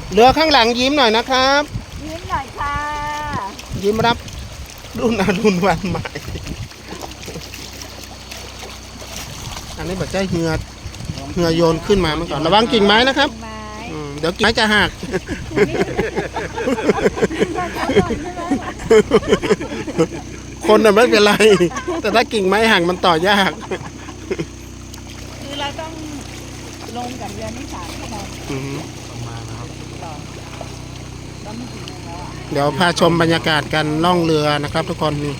เรือข้างหลังยิ้มหน่อยนะครับยิ้มหน่อยค่ะยิ้มรับรุ่นอรุณวันใหม่อันนี้แบบใจเหือโยนขึ้นมาเมื่อก่อนระวังกิ่งไม้นะครับเดี๋ยวกิ่งไม้จะหักคนน่ะไม่เป็นไรแต่ถ้ากิ่งไม้หักมันต่อยากคือเราต้องลงกับเรือนี่3 ชั่วโมงประมาณนะครับต้องไม่ถึงแล้วอ่ะเดี๋ยวพาชมบรรยากาศกันล่องเรือนะครับทุกคนนี่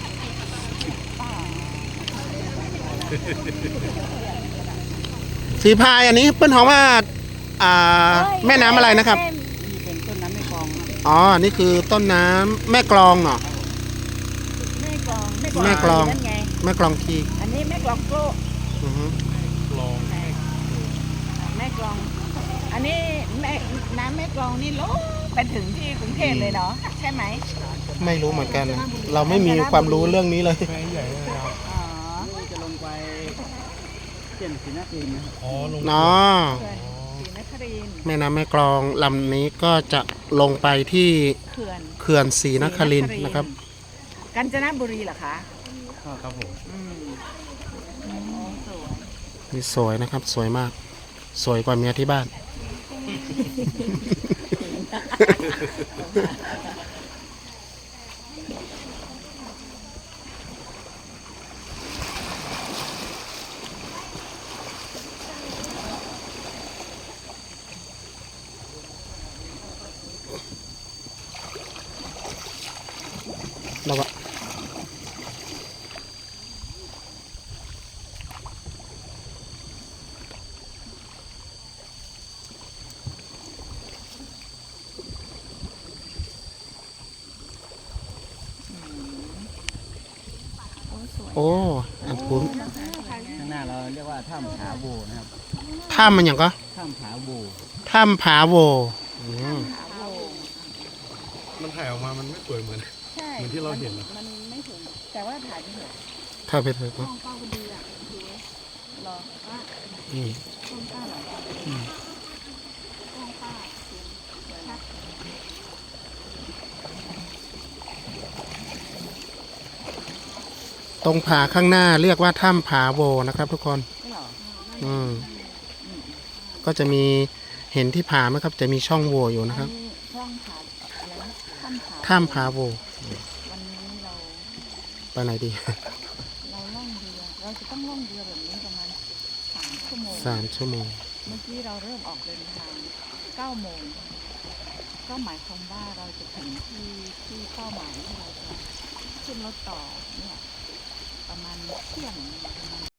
สีพายอันนี้เปิ้ลหอมว่าแม่น้ำอะไรนะครับนี่เป็นต้นน้ำแม่กลองอ๋อนี่คือต้นน้ำแม่กลองเนาะแม่กลองแม่กลองนั่นไงแม่กลองทีอันนี้แม่กลองโกะกลองแม่กลองอันนี้น้ำแม่กลองนี่ลงไปถึงที่กรุงเทพเลยเนาะใช่ไหมไม่รู้เหมือนกันนะเราไม่มีความรู้เรื่องนี้เลยแม่ใหญ่เลยครับอ๋อจะลงไปเส้นศรีนครินทร์นะครับอ๋อลงเนาะศรีนครินทร์แม่น้ำแม่กลองลำนี้ก็จะลงไปที่เขื่อนศรีนครินทร์นะครับกาญจนบุรีเหรอคะครับผมนี่สวยนะครับสวยมากสวยกว่าเมียที่บ้านแล้วก็โอ้อันคุ้นข้างหน้าเราเรียกว่าถ้ำผาโบนะครับถ้ำมันอย่างก็ถ้ำผาโบถ้ำผาโวมันถ่ายออกมามันไม่สวยเหมือนที่เราเห็นนะมันไม่ถึงแต่ว่าถ่ายไปเถอะถ้าไปเถอะก็ป้าก็ดีอ่ะดูรอว่าต้นป้าหรอต้นป้าตรงผาข้างหน้าเรียกว่าถ้ำผาโวนะครับทุกคนก็จะมีเห็นที่ผาไหมครับจะมีช่องโวอยู่นะครับถ้ำผาโววันนี้เราไปไหนดีเราล่องเรือเราจะต้องล่องเรือแบบนี้ประมาณ3 ชั่วโมง 3 ชั่วโมงเมื่อกี้เราเริ่มออกเดินทาง9 โมงก็หมายความว่าเราจะถึงที่เป้าหมายที่เราจะขึ้นรถต่อเนี่ยประมาณเที่ยง